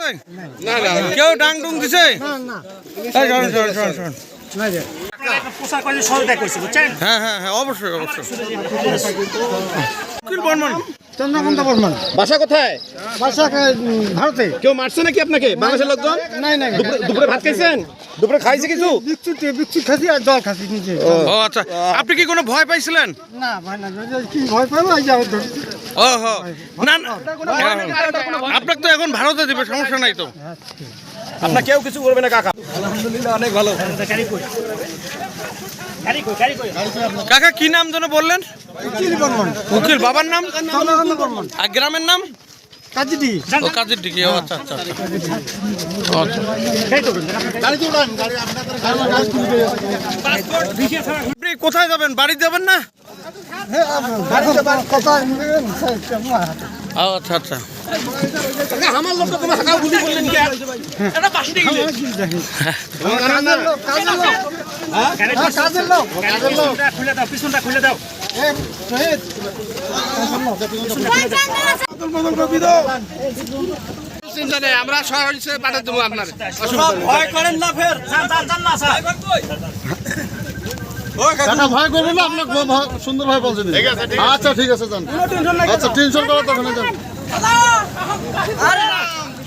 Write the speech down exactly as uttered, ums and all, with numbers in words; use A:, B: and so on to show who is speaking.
A: না না কেউ ডাং ডুং দিছে হ্যাঁ হ্যাঁ হ্যাঁ অবশ্যই অবশ্যই।
B: চন্দ্রকান্ত বর্মন।
C: বাসা কোথায়?
B: বাসা ভারতে।
C: কেউ মারছে নাকি আপনাকে বাংলাদেশের লোকজন?
B: নাই নাই
C: দুপুরে ভাত খাইছেন? দুপুরে খাইছে কিছু?
B: বিস্কুট বিস্কুট খাসি আর জল খাসি নিজে।
A: ও আচ্ছা, আপনি কি কোনো ভয় পাইছিলেন?
B: না ভাই না, কি ভয় পাবো এই যে
A: ও হো না না, আপনাকে তো এখন ভারতে দিবে, সমস্যা নাই তো।
C: আপনার কেউ কিছু করবে না কাকা।
A: আলহামদুলিল্লাহ অনেক ভালো। কাকা কি নাম যেন বললেন?
B: উকিল বর্মন।
A: উকিল, বাবার নাম?
B: চন্দ্রকান্ত বর্মন।
A: আর গ্রামের নাম?
B: কাজিডি।
A: ও কাজের দিকে। ও আচ্ছা আচ্ছা আচ্ছা। আপনি কোথায় যাবেন? বাড়ি যাবেন না? ও আচ্ছা আচ্ছা।
C: আমার লোক তোমার হাঁকা গুলি করলেন কি? এটা বাসি দিয়ে গেলেন।
B: কাজের লোক, কাজের লোক। হ্যাঁ কাজের লোক। কাজের লোক।
C: খুলে দাও, পিছনটা খুলে দাও। আমরা শহর হিসেবে পাঠিয়ে দেবো আপনার।
A: ভয় করেন না ফের।
B: ভয় করবেন না, আপনার সুন্দর ভাই বলছেন। আচ্ছা ঠিক আছে, যান। আচ্ছা টেনশন করার দরকার নেই, যান।